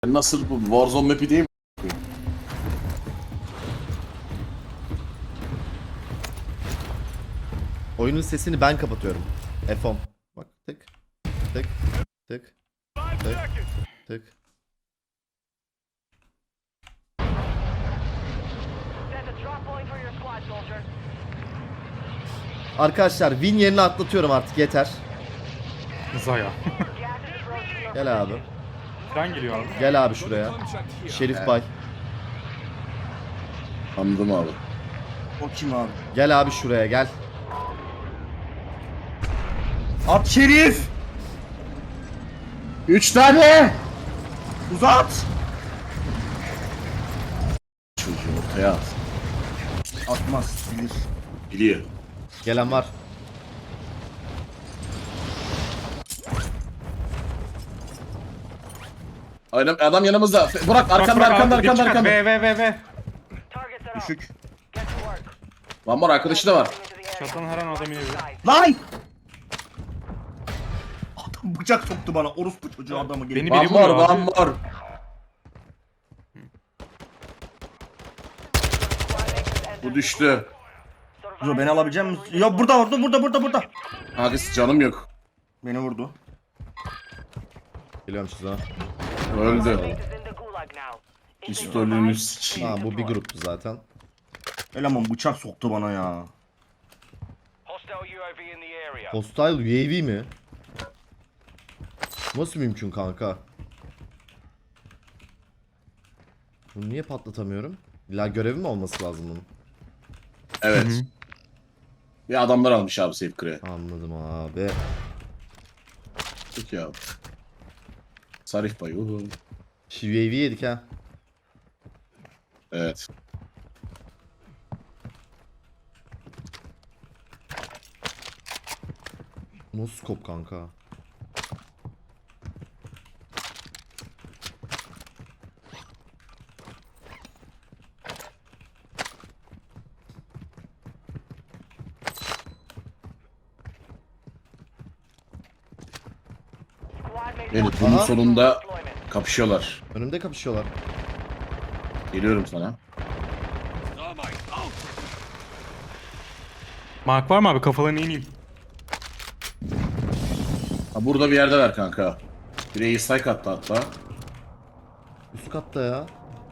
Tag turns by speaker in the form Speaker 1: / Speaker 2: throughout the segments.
Speaker 1: Nasıl bu Warzone map'i değil mi?
Speaker 2: Oyunun sesini ben kapatıyorum. F10. Bak tık tık tık tık tık. Arkadaşlar win yerini atlatıyorum artık yeter.
Speaker 3: Zaya.
Speaker 2: Gel abi.
Speaker 3: Tren geliyor abi.
Speaker 2: Gel abi şuraya. Şerif Bay.
Speaker 1: Anladım abi.
Speaker 4: O kim abi?
Speaker 2: Gel abi şuraya gel.
Speaker 4: At Şerif!
Speaker 1: 3 tane!
Speaker 4: Uzat!
Speaker 1: Çocuğu ortaya at.
Speaker 4: Atmaz. Bilir.
Speaker 1: Biliyor.
Speaker 2: Gelen var.
Speaker 1: Aynen adam yanımızda. Burak arkanda arkanda.
Speaker 3: V.
Speaker 4: Düşük.
Speaker 1: Lan var arkadaşı da var.
Speaker 3: Çatan her an adam inebilir.
Speaker 4: Lan! Adam bıçak soktu bana. Orospu çocuğu adamı gelip.
Speaker 3: Beni
Speaker 1: Van
Speaker 3: biri
Speaker 1: var
Speaker 3: vuruyor
Speaker 1: van
Speaker 3: abi.
Speaker 1: var. Bu düştü.
Speaker 4: Dur beni alabilecek misin? Ya burada.
Speaker 1: Hangisi canım yok.
Speaker 4: Beni vurdu.
Speaker 2: Geliyorum size.
Speaker 1: Öldü. Pistolünü sikeyim.
Speaker 2: Ha bu bir gruptu zaten.
Speaker 4: Eleman bıçak soktu bana ya.
Speaker 2: Hostile UAV mi? Nasıl mümkün kanka? Bunu niye patlatamıyorum? İlla görevi mi olması lazım bunun?
Speaker 1: Evet. Bir adamlar almış abi Safe Crack'e.
Speaker 2: Anladım abi.
Speaker 1: Peki abi. Sarif Bay.
Speaker 2: Şu UAV yedik ha.
Speaker 1: Evet.
Speaker 2: No scope kanka.
Speaker 1: Evet bunun
Speaker 2: Aha.
Speaker 1: sonunda kapışıyorlar.
Speaker 2: Önümde kapışıyorlar.
Speaker 1: Geliyorum sana.
Speaker 3: Mark var mı abi? Kafalarını ineyim.
Speaker 1: Ha, burada bir yerde ver kanka. Bir air strike attı hatta.
Speaker 2: Üst katta ya.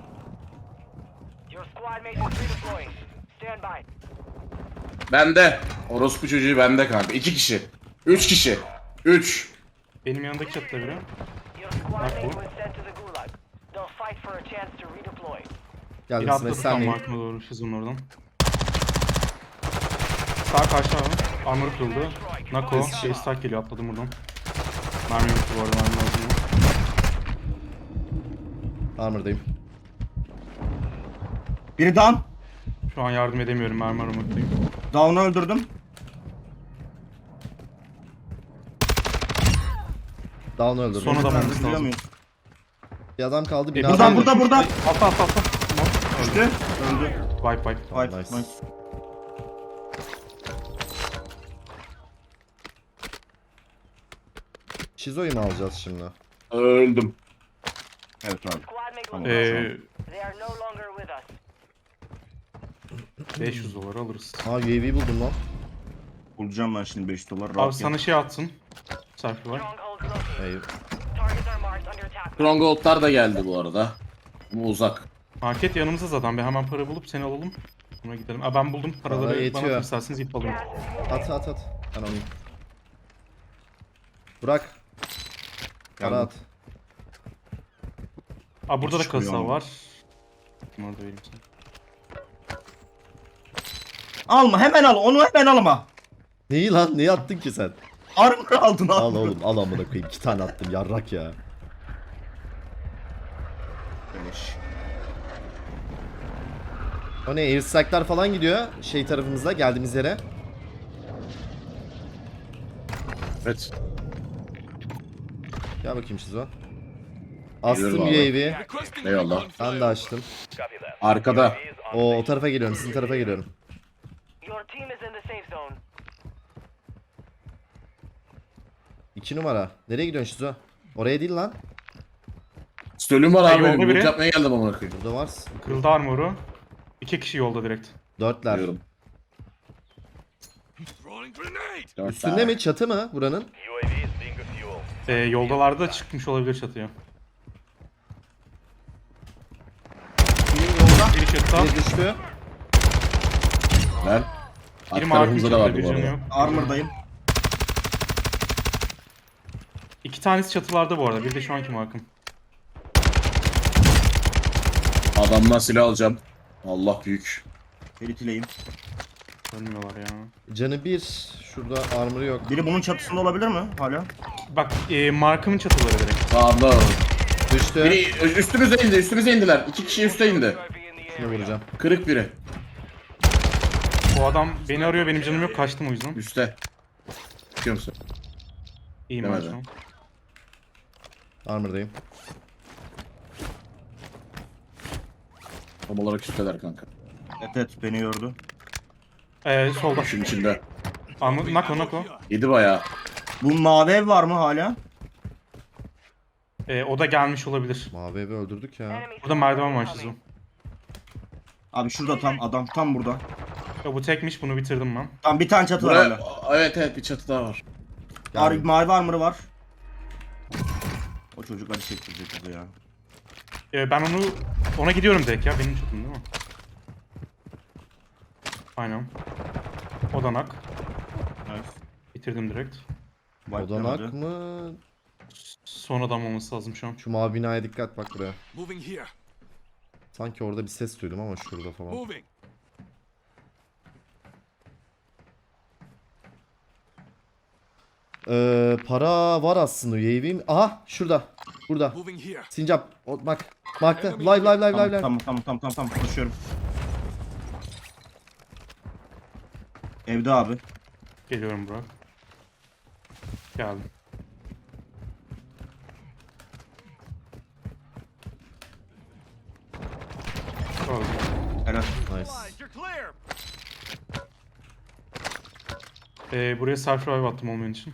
Speaker 1: Bende. Orospu çocuğu bende kanka. 2 kişi. 3 kişi. 3.
Speaker 3: Benim yanındaki çatıda biri. Biri
Speaker 2: Geldim size
Speaker 3: atladı tam
Speaker 2: senleyim.
Speaker 3: Mark'ıma doğru. Şizun oradan. Sağ karşı abi. Armor kırıldı. Nako. Stack geliyor. Atladım buradan. Mermi yoktu bu arada. Mermi lazım.
Speaker 2: Armor'dayım.
Speaker 4: Biri down.
Speaker 3: Şu an yardım edemiyorum. Mermi aramadayım.
Speaker 4: Down'u öldürdüm.
Speaker 2: Down öldürdüm.
Speaker 3: Sonra da
Speaker 4: Öldürebiliyor
Speaker 3: lazım.
Speaker 4: muyuz?
Speaker 2: Bir adam kaldı.
Speaker 3: E,
Speaker 2: Binadan
Speaker 4: Burada.
Speaker 3: Atla.
Speaker 4: Düştü. Öldü.
Speaker 3: Wipe.
Speaker 4: Wipe.
Speaker 2: nice.
Speaker 4: Nice.
Speaker 2: Şizo'yu mu alacağız şimdi?
Speaker 1: Öldüm.
Speaker 4: Evet abi. Tamam.
Speaker 3: 500 dolar alırız.
Speaker 2: Ha UAV buldum lan.
Speaker 4: Bulacağım ben şimdi 5 dolar.
Speaker 3: Abi
Speaker 4: Rahat
Speaker 3: sana şey atsın. Selfie var.
Speaker 2: Eyvah.
Speaker 1: Stronghold'lar da geldi bu arada. Bu uzak.
Speaker 3: Market yanımızda zaten. Bir hemen para bulup seni alalım. Sonra gidelim. Aa, ben buldum.
Speaker 2: Para
Speaker 3: Paraları bana
Speaker 2: yetiyor.
Speaker 3: atın isterseniz ip alayım.
Speaker 2: At. Ben alayım. Burak. Para
Speaker 4: Geldim.
Speaker 2: at.
Speaker 3: Aa, burada da
Speaker 4: Çıkmıyor
Speaker 3: kasa
Speaker 4: ama.
Speaker 3: var. Bunları da vereyim sana.
Speaker 4: Alma hemen al. Onu hemen alma.
Speaker 2: Neyi lan? Neyi attın ki sen?
Speaker 4: Armor aldın abi.
Speaker 2: Al oğlum al amına koyayım. 2 tane attım yarrak ya.
Speaker 4: Beleş.
Speaker 2: O ne? Airstrike'lar falan gidiyor. Şey tarafımızda geldiğimiz yere.
Speaker 1: Evet.
Speaker 2: Gel bakayım Şizo. Astım
Speaker 1: Geliyorum abi.
Speaker 2: UAV.
Speaker 1: Eyvallah.
Speaker 2: Ben de açtım.
Speaker 1: Arkada.
Speaker 2: O tarafa geliyorum. Sizin tarafa geliyorum. 2 numara. Nereye gidiyorsun Şizo? Oraya değil lan.
Speaker 1: Stölüm var abi
Speaker 3: yolda
Speaker 1: benim.
Speaker 3: biri.
Speaker 1: Loot yapmaya geldim amına koyayım.
Speaker 2: Burada var.
Speaker 3: Kırıldı armoru. 2 kişi yolda direkt.
Speaker 2: Dörtler.
Speaker 1: Diyorum. Dört
Speaker 2: Üstünde
Speaker 1: tane.
Speaker 2: mi? Çatı mı buranın?
Speaker 3: Yoldalarda çıkmış olabilir çatıya. Biri çatıda.
Speaker 2: Bir düştü.
Speaker 1: Ben.
Speaker 3: Biri
Speaker 1: Arka
Speaker 3: mavi
Speaker 1: tarafımızda da
Speaker 3: çatıda,
Speaker 1: vardı
Speaker 3: bir
Speaker 1: bu
Speaker 3: canı
Speaker 1: arada.
Speaker 3: yok.
Speaker 4: Armor'dayım.
Speaker 3: 2 tanesi çatılarda bu arada. Bir de şu anki markım.
Speaker 1: Adamdan silah alacağım. Allah büyük.
Speaker 4: Feritileyim.
Speaker 3: Ölmüyorlar ya.
Speaker 2: Canı bir. Şurada armor'ı yok.
Speaker 4: Biri bunun çatısında olabilir mi hala?
Speaker 3: Bak markımın çatıları direkt.
Speaker 1: Sağımda var.
Speaker 2: Düştü.
Speaker 1: Biri üstümüze indi. Üstümüze indiler. 2 kişi üste indi.
Speaker 2: Şunu vuracağım.
Speaker 1: Kırık biri.
Speaker 3: Bu adam beni arıyor, benim canım yok, kaçtım o yüzden.
Speaker 1: Üste. Çıkıyor musun?
Speaker 3: İyiyim ben
Speaker 1: Demedi.
Speaker 3: şu an.
Speaker 2: Armor'dayım.
Speaker 1: Tam olarak üsteler kanka.
Speaker 4: Evet beni gördü.
Speaker 3: Solda.
Speaker 1: Şunun içinde.
Speaker 3: Nako.
Speaker 1: Yedi bayağı.
Speaker 4: Bu mavi ev var mı hala?
Speaker 3: O da gelmiş olabilir.
Speaker 2: Mavi evi öldürdük ya.
Speaker 3: Burada merdiven var Şizo.
Speaker 4: Abi şurada tam adam tam burada.
Speaker 3: Ya bu tekmiş, bunu bitirdim ben.
Speaker 4: Tam bir tane çatı var
Speaker 1: Buraya,
Speaker 4: hala.
Speaker 1: evet bir çatı daha var.
Speaker 2: Geldim.
Speaker 4: Mavi armor'ı var. O çocuk acı çektirecek bizi ya.
Speaker 3: Ben ona gidiyorum direkt ya, benim çatım değil mi? Aynen. Odanak.
Speaker 4: Evet.
Speaker 3: Bitirdim direkt.
Speaker 2: Odanak mı?
Speaker 3: Son adam olması lazım şu an.
Speaker 2: Şu mavi binaya dikkat, bak buraya.
Speaker 5: Moving here.
Speaker 2: Sanki orada bir ses duydum ama şurada falan.
Speaker 5: Moving.
Speaker 2: Para var aslında UAV'm. Aha şurada. Burada.
Speaker 5: Moving here.
Speaker 2: Sincap. Bak. Markta. Live.
Speaker 4: Tamam koşuyorum. Evde abi.
Speaker 3: Geliyorum Burak. Geldim. Öldü.
Speaker 4: Helal.
Speaker 2: Nice.
Speaker 5: You're clear.
Speaker 3: Buraya self revive attım olmayan için.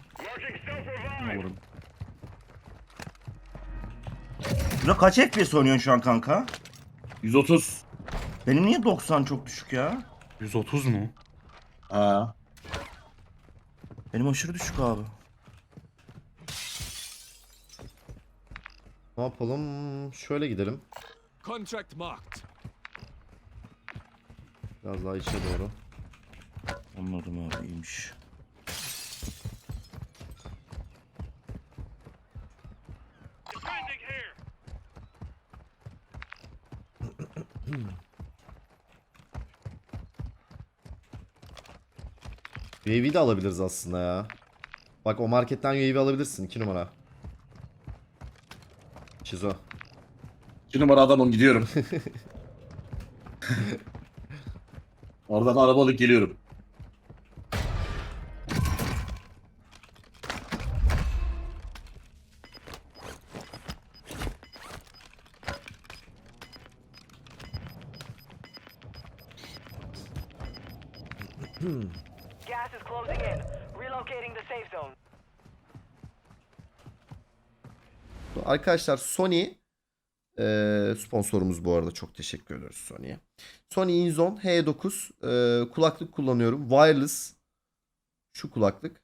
Speaker 4: Burada kaç FPS oynuyorsun şu an kanka?
Speaker 1: 130.
Speaker 4: Benim niye 90 çok düşük ya?
Speaker 3: 130 mu?
Speaker 1: Ha.
Speaker 4: Benim aşırı düşük abi.
Speaker 2: Ne yapalım? Şöyle gidelim.
Speaker 5: Contract marked.
Speaker 2: Biraz daha içe doğru.
Speaker 4: Anladım abi iyiymiş.
Speaker 2: UAV de alabiliriz aslında ya. Bak o marketten UAV alabilirsin. 2 numara. Şizo.
Speaker 1: 2 numara adamım gidiyorum. Oradan arabalık geliyorum.
Speaker 6: Gas is closing in. Relocating the safe zone.
Speaker 2: Arkadaşlar Sony sponsorumuz bu arada, çok teşekkür ediyoruz Sony'ye. Sony InZone H9 kulaklık kullanıyorum. Wireless şu kulaklık.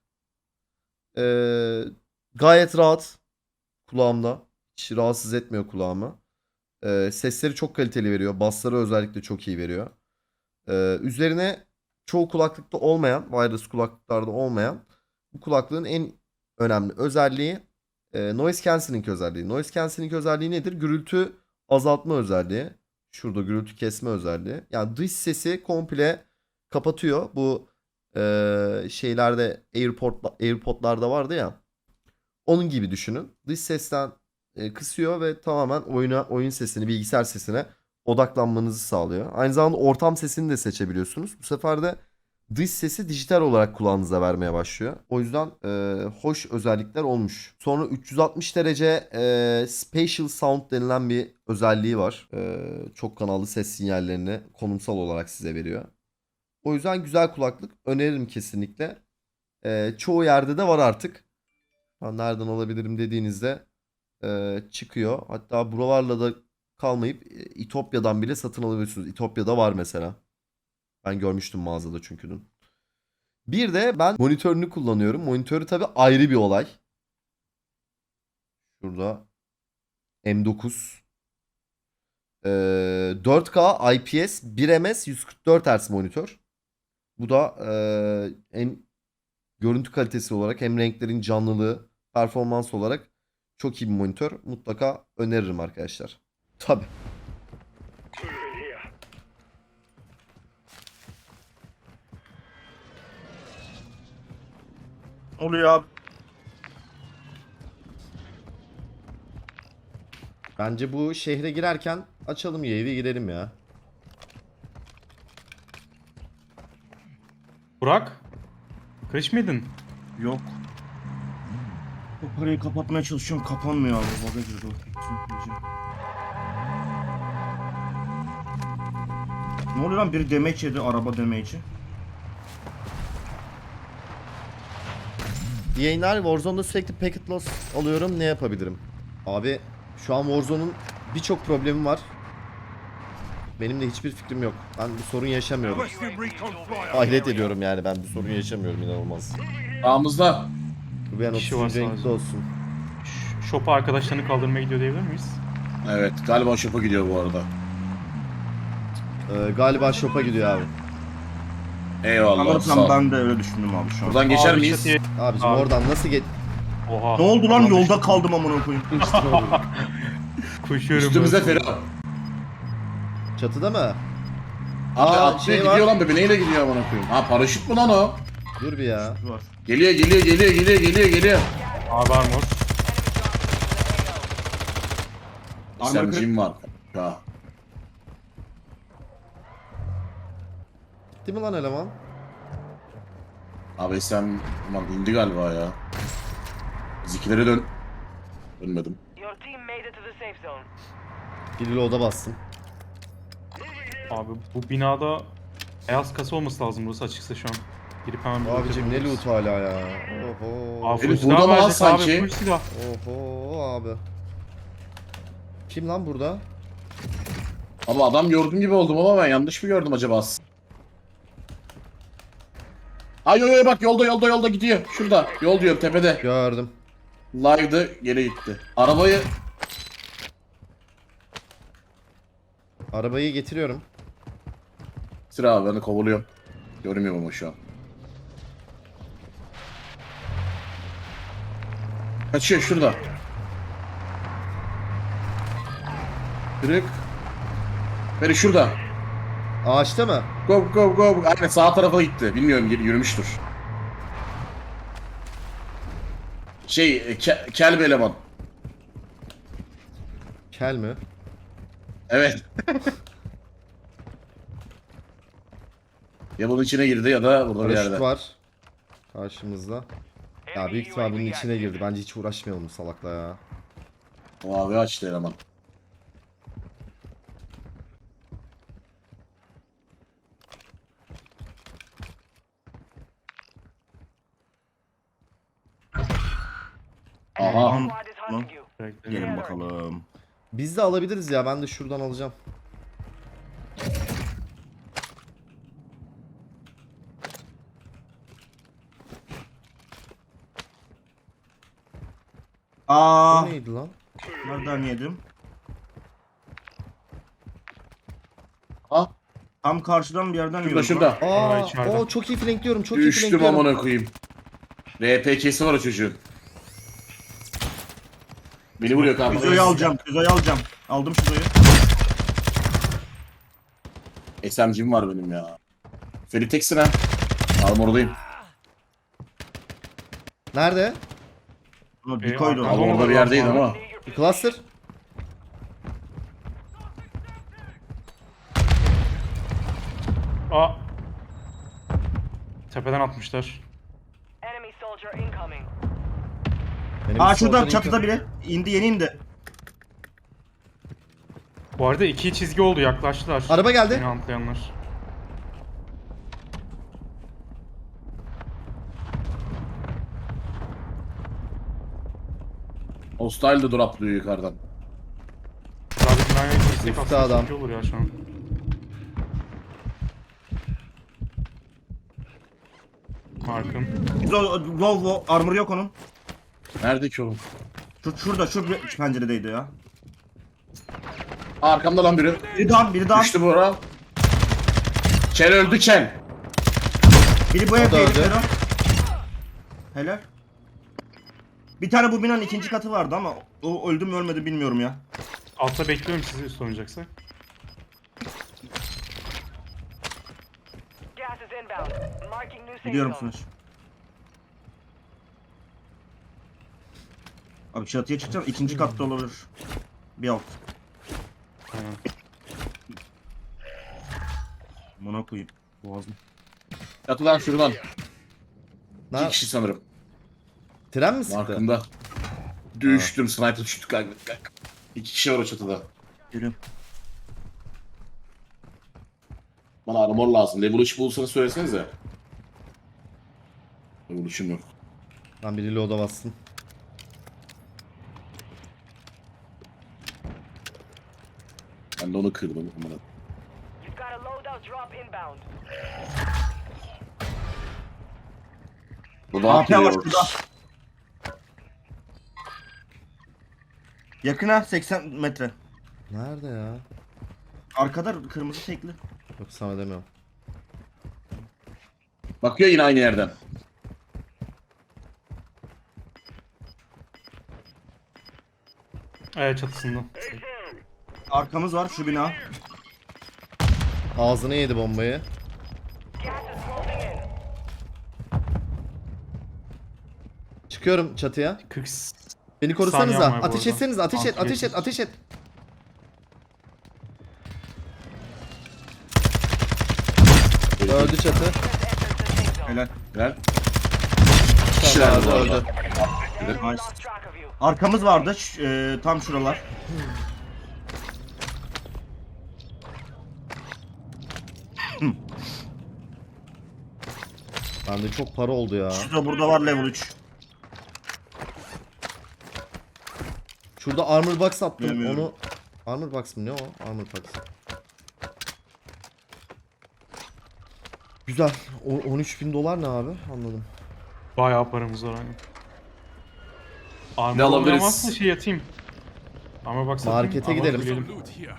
Speaker 2: Gayet rahat kulağımda. Hiç rahatsız etmiyor kulağımı. Sesleri çok kaliteli veriyor. Bassları özellikle çok iyi veriyor. Üzerine çoğu kulaklıkta olmayan, wireless kulaklıklarda olmayan bu kulaklığın en önemli özelliği noise cancelling özelliği. Noise cancelling özelliği nedir? Gürültü azaltma özelliği. Şurada gürültü kesme özelliği. Yani dış sesi komple kapatıyor. Bu şeylerde AirPod'larda vardı ya. Onun gibi düşünün. Dış sesten kısıyor ve tamamen oyun sesini, bilgisayar sesine odaklanmanızı sağlıyor. Aynı zamanda ortam sesini de seçebiliyorsunuz. Bu sefer de dış sesi dijital olarak kulağınıza vermeye başlıyor. O yüzden hoş özellikler olmuş. Sonra 360 derece spatial sound denilen bir özelliği var. Çok kanallı ses sinyallerini konumsal olarak size veriyor. O yüzden güzel kulaklık, öneririm kesinlikle. Çoğu yerde de var artık. Ben nereden alabilirim dediğinizde çıkıyor. Hatta buralarla da kalmayıp İtopya'dan bile satın alabiliyorsunuz. İtopya'da var mesela. Ben görmüştüm mağazada çünkü dün. Bir de ben monitörünü kullanıyorum. Monitörü tabii ayrı bir olay. Şurada M9 4K IPS 1ms 144 Hz monitör. Bu da hem görüntü kalitesi olarak hem renklerin canlılığı, performans olarak çok iyi bir monitör. Mutlaka öneririm arkadaşlar. Tabii.
Speaker 4: Oluyor abi.
Speaker 2: Bence bu şehre girerken açalım UAV girelim ya.
Speaker 3: Burak. Kılıç mıydın?
Speaker 4: Yok. O parayı kapatmaya çalışıyorum. Kapanmıyor abi. Baga girdi o. Ne oluyor lan? Biri damage yedi. Araba damage'i.
Speaker 2: Yayınlar Warzone'da sürekli packet loss alıyorum. Ne yapabilirim? Abi şu an Warzone'un birçok problemi var. Benim de hiçbir fikrim yok. Ben bir sorun yaşamıyorum. Hayret ediyorum yani, ben bir sorun yaşamıyorum, inanılmaz.
Speaker 1: Sağımızda.
Speaker 2: Bu bir an
Speaker 3: Kişi var
Speaker 2: 30. renkli
Speaker 3: sadece.
Speaker 2: olsun.
Speaker 3: Shop'a arkadaşlarını kaldırmaya gidiyor diyebilir miyiz?
Speaker 1: Evet galiba şopa gidiyor bu arada.
Speaker 2: Galiba shop'a gidiyor abi.
Speaker 1: Eyvallah sağ
Speaker 4: Sanırsam
Speaker 1: ol.
Speaker 4: ben de öyle düşündüm abi şu an.
Speaker 1: Buradan geçer
Speaker 3: Abi
Speaker 1: miyiz?
Speaker 3: çatıya-
Speaker 2: Abicim
Speaker 3: Abi.
Speaker 2: oradan nasıl geç...
Speaker 3: Oha.
Speaker 4: Ne oldu lan?
Speaker 3: Ulan
Speaker 4: Yolda kaldım amına koyayım.
Speaker 3: Koşuyorum.
Speaker 1: Üstümüze
Speaker 3: ben.
Speaker 1: Fero.
Speaker 2: Çatıda mı?
Speaker 1: Abi
Speaker 2: Aa,
Speaker 1: atlıyor
Speaker 2: şey
Speaker 1: gidiyor
Speaker 2: var.
Speaker 1: lan be. Neyle gidiyor amına koyayım? Ha paraşüt mü lan o?
Speaker 2: Dur bir ya.
Speaker 4: Var.
Speaker 1: Geliyor.
Speaker 3: Abi armor.
Speaker 1: SMG'm var. Ha.
Speaker 2: Gitti mi lan eleman?
Speaker 1: Abi SM lan indi galiba ya. Bizikilere dönmedim.
Speaker 6: Your team made it to the safe zone.
Speaker 2: Bir loada bastım.
Speaker 3: Abi bu binada beyaz kasa olması lazım burası açıksa şu an. Girip hemen bir
Speaker 2: Abicim ne
Speaker 3: bakabiliriz.
Speaker 2: loot hala ya. Oho.
Speaker 3: Abi
Speaker 1: Herif
Speaker 3: full
Speaker 1: burada
Speaker 3: silah
Speaker 1: mı lan
Speaker 3: verecek abi,
Speaker 1: sanki?
Speaker 3: full silah.
Speaker 2: Oho abi. Kim lan burada?
Speaker 1: Abi adam gördüğüm gibi oldum ama ben yanlış mı gördüm acaba? Ay yo bak yolda gidiyor. Şurada. Yol diyorum tepede.
Speaker 2: Gördüm.
Speaker 1: Live'dı geri gitti. Arabayı
Speaker 2: Arabayı getiriyorum.
Speaker 1: sıra abi ben de kovalıyorum. Görmüyorum ama şu an. Kaçıyor şurada. Kırık. Beni şurada.
Speaker 2: Ağaçta mı?
Speaker 1: Go. Aynen sağ tarafa gitti. Bilmiyorum yürümüştür. Kel bir eleman.
Speaker 2: Kel mi?
Speaker 1: Evet. Ya bunun içine girdi ya da burada bir
Speaker 2: Paraşüt
Speaker 1: yerde.
Speaker 2: var. Karşımızda. Ya büyük ihtimal bunun içine girdi. Bence hiç uğraşmayalım bu salakla ya.
Speaker 1: O abi açtı eleman. Aha.
Speaker 6: Squad is hunting you.
Speaker 3: Bekle.
Speaker 4: Gelin bakalım.
Speaker 2: Biz de alabiliriz ya. Ben de şuradan alacağım.
Speaker 4: Aa,
Speaker 2: Bu neydi lan?
Speaker 4: nereden yedim?
Speaker 1: Ha?
Speaker 4: Tam karşıdan bir yerden
Speaker 1: Şurada
Speaker 4: yiyorum.
Speaker 1: şurada.
Speaker 2: Aa,
Speaker 3: içeride.
Speaker 2: o çok iyi flankliyorum. Çok iyi
Speaker 1: Düştüm
Speaker 2: flankliyorum.
Speaker 1: amına koyayım. RPK'si var o çocuğun. Beni vuruyor kanka.
Speaker 4: Füzeyi alacağım. Aldım füzeyi.
Speaker 1: SMG'm var benim ya. Ferit teksin ha. Armordayım.
Speaker 2: Nerede?
Speaker 4: Ama decoy'du.
Speaker 3: Tamam,
Speaker 1: Abi orada bir yerdeydi ama.
Speaker 2: Bir cluster.
Speaker 3: Aa. Tepeden atmışlar.
Speaker 6: Enemy soldier incoming.
Speaker 2: Benim
Speaker 4: Aa
Speaker 2: bir
Speaker 4: şurada
Speaker 2: soldan
Speaker 4: çatıda
Speaker 2: ilk-
Speaker 4: biri. İndi yeni indi.
Speaker 3: Bu arada iki çizgi oldu, yaklaştılar.
Speaker 2: Araba geldi.
Speaker 3: Beni antlayanlar.
Speaker 1: O Hostile de droplıyor yukarıdan.
Speaker 3: Daha bir binaya destek
Speaker 2: Üstte
Speaker 3: aslında
Speaker 2: adam.
Speaker 3: çok iyi olur ya şu an. Markım.
Speaker 4: Low armor yok onun.
Speaker 1: Nerede ki oğlum?
Speaker 4: Şurada şu penceredeydi ya.
Speaker 1: Arkamda lan biri.
Speaker 4: Biri daha.
Speaker 1: Düştü bu ara. Ken öldü Ken.
Speaker 4: Biri bu
Speaker 2: da
Speaker 4: evde
Speaker 2: öldü.
Speaker 4: herifler o. Helal. Bir tane bu binanın ikinci katı vardı ama o öldü mü ölmedi bilmiyorum ya.
Speaker 3: Altta bekliyorum sizi üst oynayacaksak.
Speaker 6: Gas is inbound. Marking new safe
Speaker 4: Gidiyor
Speaker 6: zone.
Speaker 4: musunuz? Abi çatıya çıkacağım. İkinci katta olabilir. Bir alt.
Speaker 3: Aynen.
Speaker 4: Buna koyayım. Boğazım.
Speaker 1: Yatılan şuradan.
Speaker 2: Ne?
Speaker 1: 2 kişi sanırım.
Speaker 2: Tren mi sıktı?
Speaker 1: Markımda. Düştüm. Sniper düştü kanka. 2 kişi var o çatıda.
Speaker 4: Geliyorum.
Speaker 1: Bana armor lazım. Level 3 bulursanız söylesenize. Level 3'üm yok.
Speaker 2: Ben biriyle oda bassın.
Speaker 1: Ben de onu kırdım. Aman.
Speaker 6: You've got a loadout drop inbound.
Speaker 1: Bu da
Speaker 4: AP var
Speaker 1: atıyor.
Speaker 4: şurada. Yakına 80 metre.
Speaker 2: Nerede ya?
Speaker 4: Arkada kırmızı tekli.
Speaker 2: Yok sana demiyorum.
Speaker 1: Bakıyor yine aynı yerden.
Speaker 3: Evet çatısında.
Speaker 4: Arkamız var şu bina.
Speaker 2: Ağzına yedi bombayı.
Speaker 6: Gas is closing in.
Speaker 2: Çıkıyorum çatıya.
Speaker 3: 40
Speaker 2: Beni korusanıza.
Speaker 3: Saniyem var bu
Speaker 2: Ateş
Speaker 3: arada.
Speaker 2: etseniz. Ateş et,
Speaker 3: Altı
Speaker 2: ateş et,
Speaker 3: geçmiş.
Speaker 2: ateş et. Öldü çatı.
Speaker 6: Entered the safe zone.
Speaker 4: Helal.
Speaker 1: Gel. Kişiler
Speaker 2: Tamam,
Speaker 1: bu arada.
Speaker 2: öldü.
Speaker 4: Nice.
Speaker 6: Lost track of you.
Speaker 4: Arkamız vardı. Tam şuralar.
Speaker 2: Bende çok para oldu ya.
Speaker 4: Şurada burada var level 3.
Speaker 2: Şurada armor box attım.
Speaker 4: Bilmiyorum.
Speaker 2: Onu armor box mı ne o? Armor box. Güzel. 13.000 dolar ne abi? Anladım.
Speaker 3: bayağı paramız var hani. Armor
Speaker 1: Ne alabiliriz?
Speaker 3: oynamazsa şey yatayım. Ama bak
Speaker 2: Markete gidelim.
Speaker 5: Some loot here.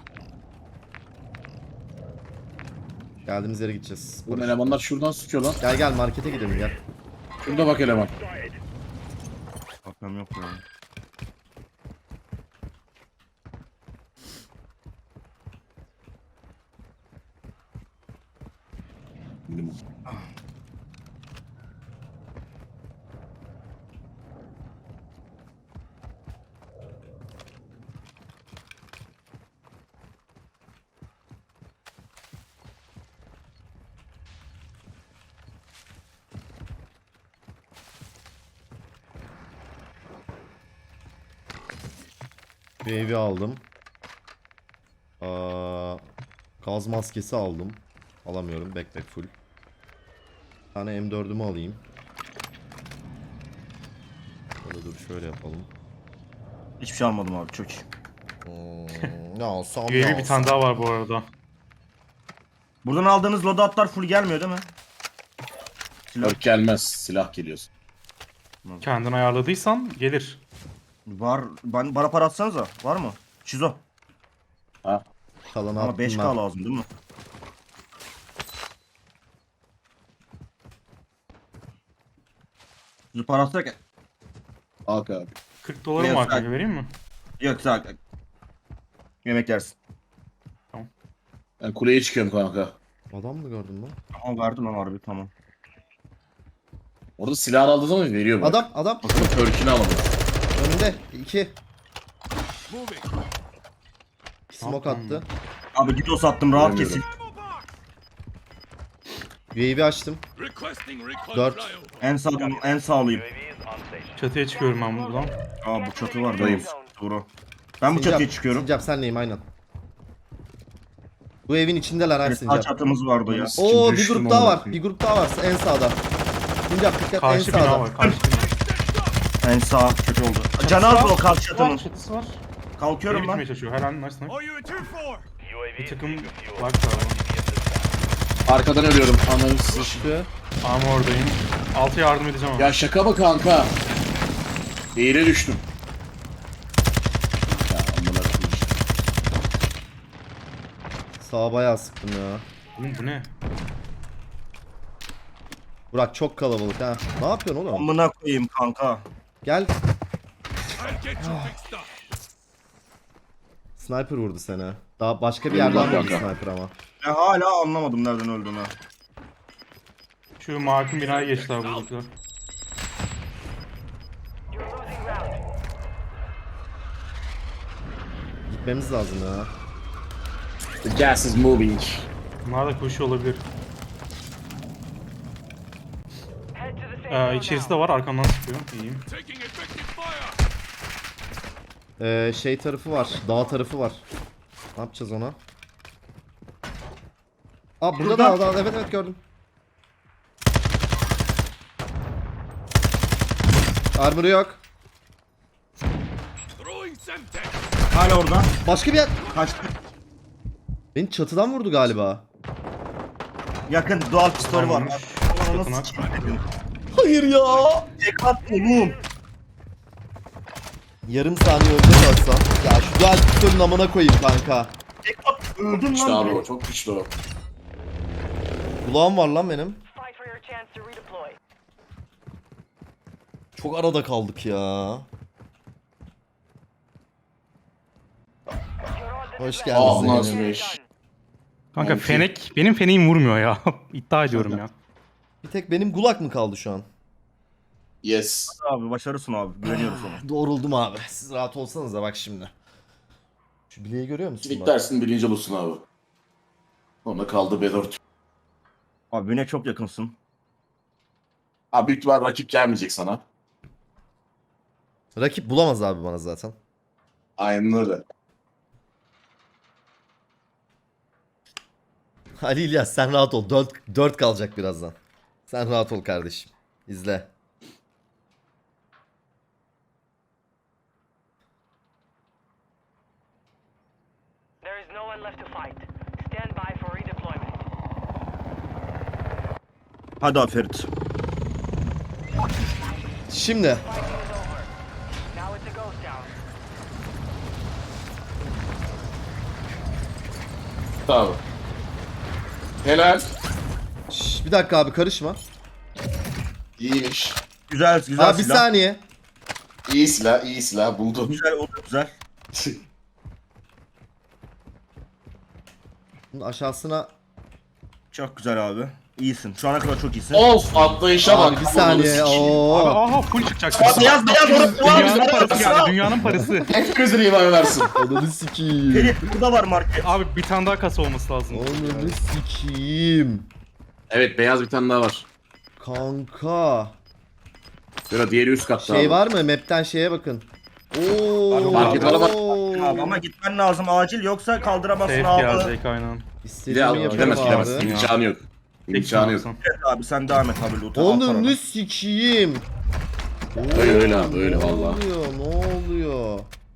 Speaker 2: Geldiğimiz yere gideceğiz.
Speaker 1: Bu
Speaker 2: Barış.
Speaker 1: elemanlar şuradan sıkıyor lan.
Speaker 2: Gel gel markete gidelim gel.
Speaker 1: Şurada bak eleman.
Speaker 4: Bakalım yok ya.
Speaker 1: Minimum.
Speaker 2: Bir evi aldım. Gaz maskesi aldım. Alamıyorum. Backpack full. Bir tane M4'ümü alayım. Şöyle dur şöyle yapalım.
Speaker 4: Hiçbir şey almadım abi çok iyi.
Speaker 2: Ne alsam
Speaker 3: UAV bir tane daha var bu arada.
Speaker 4: Buradan aldığınız loadoutlar full gelmiyor değil mi? Silah
Speaker 1: Dört gelmez. Silah geliyor.
Speaker 3: Kendin ayarladıysan gelir.
Speaker 4: var. Bana para atsanıza. Var mı? Şizo.
Speaker 1: Ha.
Speaker 2: Kalanı
Speaker 4: Ama
Speaker 2: attım
Speaker 4: 5K
Speaker 2: ben.
Speaker 4: lazım değil mi? Şizo para atsak.
Speaker 1: Al abi.
Speaker 3: 40 dolarım
Speaker 4: Ne
Speaker 3: var
Speaker 4: yapsak?
Speaker 3: kanka, vereyim mi?
Speaker 4: Yok sağ ol. Yemek yersin.
Speaker 1: Ben kuleye çıkıyorum kanka.
Speaker 2: Adam mı gördün lan?
Speaker 4: Ama verdim lan harbi tamam.
Speaker 1: Orada silah aldığı zaman veriyor bak.
Speaker 2: Adam
Speaker 1: Ama törkünü alamadı.
Speaker 2: önünde 2
Speaker 5: Moving.
Speaker 2: smoke attı.
Speaker 4: Abi Didos attım rahat
Speaker 1: Bilmiyorum.
Speaker 4: kesin.
Speaker 2: UAV açtım.
Speaker 5: Requesting recon
Speaker 2: 4.
Speaker 5: flyover.
Speaker 4: En sağlayayım.
Speaker 3: Çatıya çıkıyorum ben buradan.
Speaker 4: Aa bu çatı var
Speaker 1: Dayım.
Speaker 4: değil Doğru. Ben bu çatıya çıkıyorum.
Speaker 2: Sincap senleyim aynen. Bu evin içindeler her
Speaker 4: Evet, sağ
Speaker 2: Sincap.
Speaker 4: çatımız vardı ya.
Speaker 2: Oo bir
Speaker 1: Düştüm
Speaker 2: grup daha var.
Speaker 1: amına
Speaker 2: Bir grup daha var en sağda. Sincap dikkat en
Speaker 3: Karşı bina
Speaker 2: sağda.
Speaker 3: var, karşı bina.
Speaker 4: En sağ kötü. şey oldu. Can az o kalk
Speaker 3: Var,
Speaker 4: çatının.
Speaker 3: çatısı var.
Speaker 4: Kalkıyorum
Speaker 3: Beni
Speaker 4: ben.
Speaker 3: bitirmeye çalışıyor. Her an nice nice.
Speaker 5: All you in 2-4.
Speaker 3: Bir takım var galiba.
Speaker 1: Arkadan ölüyorum. Ananı sıçtı.
Speaker 2: Çıkıyor.
Speaker 3: Ama oradayım. Altı yardım edeceğim ama.
Speaker 1: Ya şaka mı kanka? Eğre düştüm. Ya amına koyayım.
Speaker 2: Sağa bayağı sıktım ya.
Speaker 3: Oğlum bu ne?
Speaker 2: Burak çok kalabalık ha. Ne yapıyorsun oğlum?
Speaker 4: Amına koyayım kanka.
Speaker 2: Gel.
Speaker 5: I'll get you fixed up.
Speaker 2: Sniper vurdu seni. Daha başka bir yerden vurdu sniper ama.
Speaker 4: Ben hala anlamadım nereden öldüğünü.
Speaker 3: Şu Mark'ın binaya geçti abi buradakiler.
Speaker 6: You're losing round.
Speaker 2: Gitmemiz lazım ya.
Speaker 1: The gas is moving.
Speaker 3: Bunlar da koşuyor olabilir.
Speaker 6: Head to the safe zone
Speaker 3: İçerisi
Speaker 6: now.
Speaker 3: de var arkamdan sıkıyor. İyiyim.
Speaker 5: Taking effective fire.
Speaker 2: Şey tarafı var. Dağ tarafı var. Ne yapacağız ona? Aa burada
Speaker 4: Burada.
Speaker 2: dağ evet evet gördüm. Armor'ı yok.
Speaker 5: Throwing Semtex.
Speaker 4: Hala orada.
Speaker 2: Başka bir yer.
Speaker 4: Kaçtı.
Speaker 2: Beni çatıdan vurdu galiba.
Speaker 4: Yakın dual pistolü var.
Speaker 3: Tamammış.
Speaker 4: Ona
Speaker 3: Tapınak.
Speaker 4: nasıl sikeyim?
Speaker 2: Hayır ya.
Speaker 4: Tek at oğlum.
Speaker 2: Yarım saniye önce kalsam. Ya şu dual pistolün amına koyayım kanka.
Speaker 4: Tek at. Öldüm
Speaker 1: Güçlü
Speaker 4: lan.
Speaker 1: abi o. Çok güçlü o.
Speaker 2: Kulağım var lan benim.
Speaker 6: Fight for your chance to redeploy.
Speaker 2: Çok arada kaldık ya.
Speaker 6: You're on the
Speaker 2: Hoş
Speaker 6: defense.
Speaker 2: geldiniz.
Speaker 1: Ah,
Speaker 2: Zeynep.
Speaker 1: nasılmış?
Speaker 3: Kanka
Speaker 1: Oldu.
Speaker 3: Fenek, benim feneğim vurmuyor ya. İddia ediyorum ya.
Speaker 2: Bir tek benim gulak mı kaldı şu an?
Speaker 1: Yes.
Speaker 4: Abi başarısın abi. Güveniyoruz ona.
Speaker 2: Doğruldum abi. Siz rahat olsanız da bak şimdi. Şu bileği görüyor musun?
Speaker 1: Civic
Speaker 2: bak?
Speaker 1: dersin birinci olursun abi. Sonra kaldı B4.
Speaker 4: Abi birine çok yakınsın.
Speaker 1: Abi büyük ihtimal rakip gelmeyecek sana.
Speaker 2: Rakip bulamaz abi bana zaten.
Speaker 1: Aynen öyle.
Speaker 2: Ali İlyas sen rahat ol. 4 kalacak birazdan. Sen rahat ol kardeşim. İzle.
Speaker 6: There is no one left to fight. Stand by for redeployment.
Speaker 4: Hadi abi Ferit.
Speaker 2: Şimdi.
Speaker 6: Fighting is over. Now it's a ghost town.
Speaker 1: Tamam. Helal.
Speaker 2: Bir dakika abi karışma.
Speaker 1: İyiymiş.
Speaker 4: Güzel güzel
Speaker 2: Abi bir
Speaker 4: silah.
Speaker 2: saniye.
Speaker 1: İyi silah, iyi silah buldum.
Speaker 4: Güzel o da güzel.
Speaker 2: Bunun aşağısına.
Speaker 4: Çok güzel abi. İyisin. Şu ana kadar çok iyisin.
Speaker 1: Of atlayışa bak.
Speaker 2: Abi bir saniye.
Speaker 3: Abi
Speaker 2: Oo.
Speaker 3: aha full çıkacak.
Speaker 4: Beyaz beyaz orası var.
Speaker 3: Dünyanın parası geldi. Dünyanın parası.
Speaker 1: Hepimizin iman versin.
Speaker 2: Ananı sikiyim.
Speaker 4: Ferit burada var market.
Speaker 3: Abi bir tane daha kasa olması lazım.
Speaker 2: Ananı sikiyim.
Speaker 1: Evet beyaz bir tane daha var.
Speaker 2: Kanka.
Speaker 1: Sıra diğeri üst katta
Speaker 2: Şey
Speaker 1: abi.
Speaker 2: var mı? Map'ten şeye bakın. Oo.
Speaker 1: Market var ama-
Speaker 4: Abi ama gitmen lazım acil yoksa kaldıramazsın
Speaker 3: Safe
Speaker 4: abi.
Speaker 3: gelecek aynen.
Speaker 1: Bir de
Speaker 2: İstediğimi
Speaker 1: al,
Speaker 2: yaparım
Speaker 1: gidemez gidemez.
Speaker 2: abi.
Speaker 1: İmkanı yok. İmkanı yok.
Speaker 4: Evet abi sen devam et abi loot'a.
Speaker 2: Ananı sikiyim.
Speaker 1: Öyle abi, öyle
Speaker 2: Ne
Speaker 1: valla.
Speaker 2: oluyor? Ne oluyor?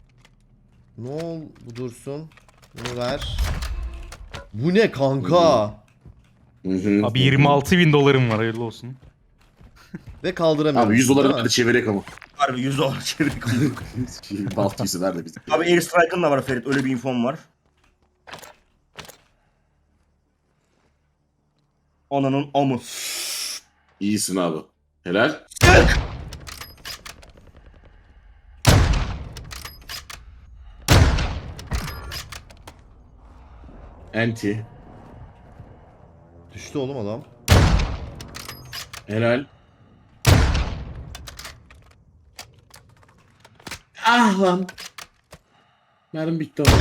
Speaker 2: Bu dursun. Bunu ver. Bu ne kanka?
Speaker 1: Hı hı.
Speaker 3: Abi 26.000 dolarım var hayırlı olsun.
Speaker 2: Ve kaldıramıyorum.
Speaker 1: Abi 100
Speaker 2: değil
Speaker 1: doları
Speaker 2: mi?
Speaker 1: hadi çevirek ama.
Speaker 4: Harbi 100 dolar çevirdik.
Speaker 1: Baltıysa nerede bizim?
Speaker 4: Abi Airstrike'ın da var Ferit öyle bir infom var. Ananın amı.
Speaker 1: İyisin abi. Helal. Anti.
Speaker 2: Düştü oğlum adam.
Speaker 1: Helal. Ah lan. Mermi bitti ama.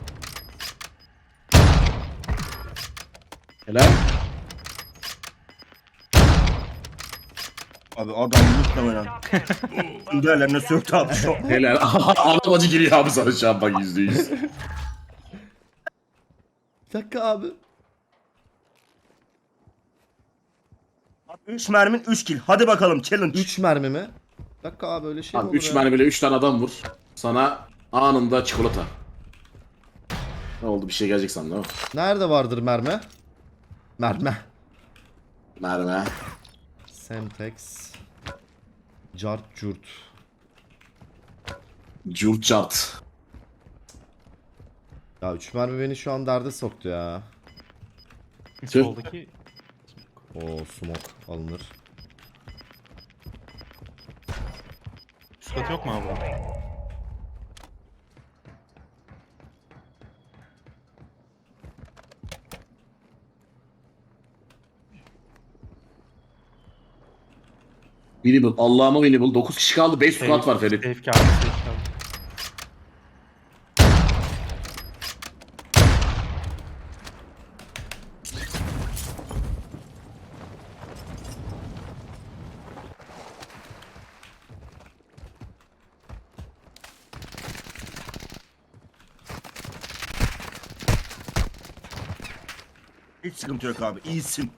Speaker 1: Helal.
Speaker 4: Abi adam muhtemelen.
Speaker 6: Top 10.
Speaker 4: Değerlerine söktü abi şu an.
Speaker 1: Helal. Adam acı giriyor abi sana şu an bak %100.
Speaker 2: Bir dakika abi.
Speaker 4: 3 mermin 3 kill. Hadi bakalım challenge.
Speaker 2: 3 mermi mi? Bir dakika abi öyle şey mi
Speaker 1: Abi
Speaker 2: olur
Speaker 1: 3
Speaker 2: ya?
Speaker 1: mermiyle 3 tane adam vur. Sana anında çikolata. Ne oldu bir şey gelecek sandım değil mi?
Speaker 2: Nerede vardır mermi? Mermi.
Speaker 1: Mermi.
Speaker 2: Semtex. Cart curt.
Speaker 1: Curt cart.
Speaker 2: Ya 3 mermi beni şu an derde soktu ya.
Speaker 3: Soldaki
Speaker 2: Oo smoke alınır.
Speaker 3: üst katı yok mu abi?
Speaker 1: Winnable. Allah'ıma winnable. 9 kişi kaldı. 5 squad var Ferit.
Speaker 3: Safe geldi, safe geldi.
Speaker 4: Hiç sıkıntı yok abi. İyisin.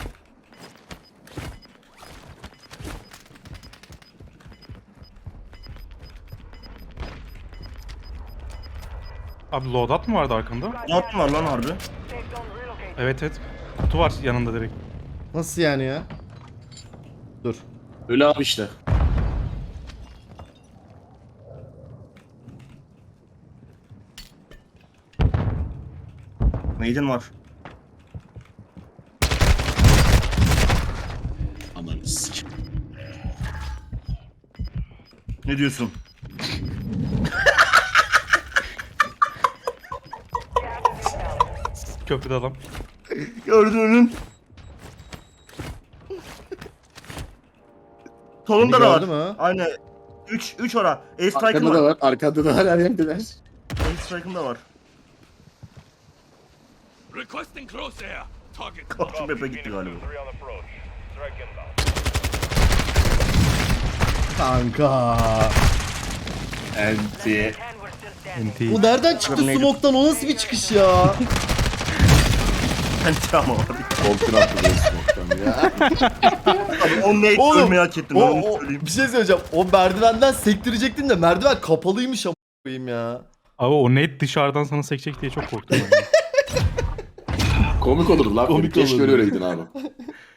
Speaker 3: Abi loadout mu vardı arkanda?
Speaker 4: Ne yaptın var lan harbi?
Speaker 6: Safe zone relocated.
Speaker 3: Evet evet. Kutu var yanında direkt.
Speaker 2: Nasıl yani ya? Dur.
Speaker 1: Öyle abi işte.
Speaker 4: Maiden var.
Speaker 1: Ananı sik.
Speaker 4: Ne diyorsun?
Speaker 3: Köprüde adam.
Speaker 4: Gördüğünün. Solunda da var.
Speaker 2: gördü mü?
Speaker 4: Aynen. 3 ora. Ace Strike'ın
Speaker 1: Arkanda da
Speaker 4: var.
Speaker 1: var. Arkanda da var. Her yerdeler.
Speaker 4: Ace Strike'ın da var.
Speaker 5: Requesting close air. Target.
Speaker 4: Kapçı Bepe gitti galiba.
Speaker 2: Kanka.
Speaker 1: Enti.
Speaker 6: 10 were still standing.
Speaker 2: Bu nereden çıktı
Speaker 4: Neydi?
Speaker 2: smoke'tan? O nasıl bir çıkış ya?
Speaker 4: Bence ama abi.
Speaker 1: Koltuğuna atladı smoke'tan ya.
Speaker 4: Abi o nade
Speaker 2: Oğlum,
Speaker 4: ölmeyi hak ettin. Ben onu söyleyeyim.
Speaker 2: bir şey söyleyeceğim. O merdivenden sektirecektin de merdiven kapalıymış ama koyayım ya.
Speaker 3: Abi o net dışarıdan sana sekecek diye çok korktum ben.
Speaker 1: Komik olurdu lan.
Speaker 2: Komik
Speaker 1: Keşke
Speaker 2: olurdu.
Speaker 1: öyle öyleydin abi.